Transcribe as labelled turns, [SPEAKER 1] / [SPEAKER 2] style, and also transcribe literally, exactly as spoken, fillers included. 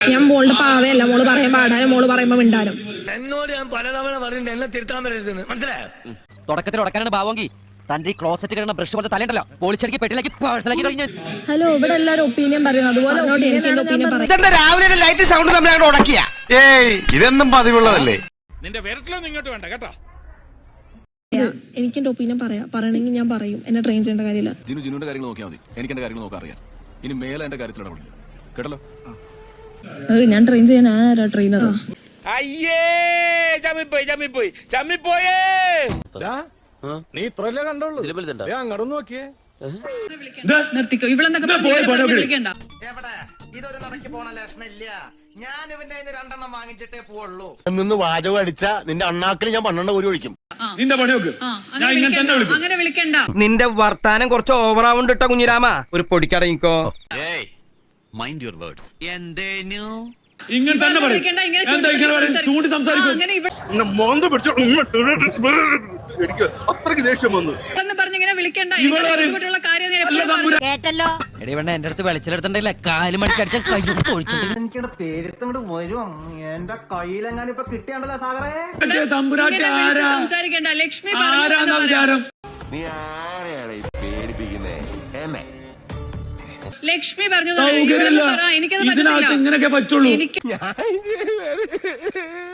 [SPEAKER 1] ഞാൻ മോളുടെ പാവയല്ല, മോള് പറയാൻ പാടാനും മോള് പറയുമ്പോ മിണ്ടാനും.
[SPEAKER 2] എന്നോട് ഞാൻ പലതവണ പറഞ്ഞിട്ട് എന്നെ തിരുത്താൻ വരരുതെന്ന് മനസ്സിലായോ?
[SPEAKER 3] തുടക്കത്തിൽ ഉടക്കാനാണ് ഭാവമെങ്കിൽ തന്റെ ഈ ക്ലോസറ്റ് കിടന്ന ബ്രഷ് പോലെ തലയുണ്ടല്ലോ പോളിച്ചടിക്ക് പെട്ടിലേക്ക് പേഴ്സണലാക്കി കഴിഞ്ഞു.
[SPEAKER 1] ഹലോ, ഇവിടെ എല്ലാരും ഒപ്പീനിയൻ പറയുന്നത് അതുപോലെ
[SPEAKER 2] രാവിലെ ലൈറ്റ് സൗണ്ട് തമ്മിൽ ഉടക്കിയ
[SPEAKER 4] ഏയ് ഇതെന്നും പതിവുള്ളതല്ലേ.
[SPEAKER 5] നിന്റെ വിരട്ടിലൊന്നും ഇങ്ങോട്ട് വേണ്ട കേട്ടോ.
[SPEAKER 1] എനിക്ക് എന്റെ ഒപ്പീനിയൻ പറയാം, പറയണമെങ്കിൽ ഞാൻ പറയും. എന്നെ ട്രെയിൻ ചെയ്യേണ്ട കാര്യമില്ല.
[SPEAKER 6] ജിനു ജിനുവിന്റെ കാര്യങ്ങൾ നോക്കിയാൽ മതി. എനിക്ക് എന്റെ കാര്യങ്ങൾ നോക്കാൻ അറിയാം. ഇനി മേലെ എന്റെ കാര്യത്തിൽ ഇടപെടില്ല കേട്ടല്ലോ.
[SPEAKER 1] ഞാൻ ട്രെയിൻ ചെയ്യാൻ ആരാ ട്രെയിനർ?
[SPEAKER 5] അയ്യേ ചമ്മിപ്പോയി ചമ്മിപ്പോയി ചമ്മിപ്പോയേ.
[SPEAKER 7] നീ ഇത്രല്ലേ കണ്ടോളൂ, അങ്ങോട്ട് നോക്കിയേ.
[SPEAKER 1] നിർത്തിക്കോ, ഇവളെന്തൊക്കെ
[SPEAKER 2] ഇതൊരു നടക്ക് പോണ ലക്ഷണില്ല. ഞാൻ ഇവന്റെ രണ്ടെണ്ണം വാങ്ങിച്ചിട്ടേ പോവുള്ളൂ.
[SPEAKER 4] നിന്ന് വാചകം അടിച്ച നിന്റെ അണ്ണാക്കിൽ ഞാൻ പന്ത്രണ്ട് ഒരു ഒഴിക്കും.
[SPEAKER 5] നിന്റെ പണി നോക്ക്. ഞാൻ ഇങ്ങനെ തന്നെ വിളിക്കും.
[SPEAKER 1] അങ്ങനെ വിളിക്കണ്ട.
[SPEAKER 2] നിന്റെ വർത്താനം കുറച്ച് ഓവറാവുണ്ട് കേട്ടോ കുഞ്ഞിരാമ. ഒരു പൊടിക്കടങ്ങിക്കോ.
[SPEAKER 3] Mind your words. എന്തേനു
[SPEAKER 5] ഇങ്ങനെ തന്നെ പറയും. ചൂണ്ടി സംസാരിക്കും.
[SPEAKER 4] എനിക്ക് അത്രയ്ക്ക് ദേഷ്യം വന്നു.
[SPEAKER 3] എടി വേണ്ട എന്റെ അടുത്ത് വെളിച്ചെടുത്തിട്ടില്ല കാല് മണിക്കടിച്ച കൈ ഒഴിച്ചിട്ട്
[SPEAKER 8] എനിക്കിവിടെ പേരുത്തങ്ങോട്ട് വരും. എന്റെ കയ്യിലെങ്ങാനും ഇപ്പൊ കിട്ടിയാണ്ടല്ലോ സാഗറേ.
[SPEAKER 1] സംസാരിക്കണ്ട. ലക്ഷ്മി
[SPEAKER 4] നീ ആരെയാണ് പേടിപ്പിക്കുന്നേ? എന്നെ
[SPEAKER 1] ലക്ഷ്മി പറഞ്ഞു
[SPEAKER 5] സൗകര്യമില്ല. ഇതിനകത്ത് ഇങ്ങനെയൊക്കെ പറ്റുള്ളൂ.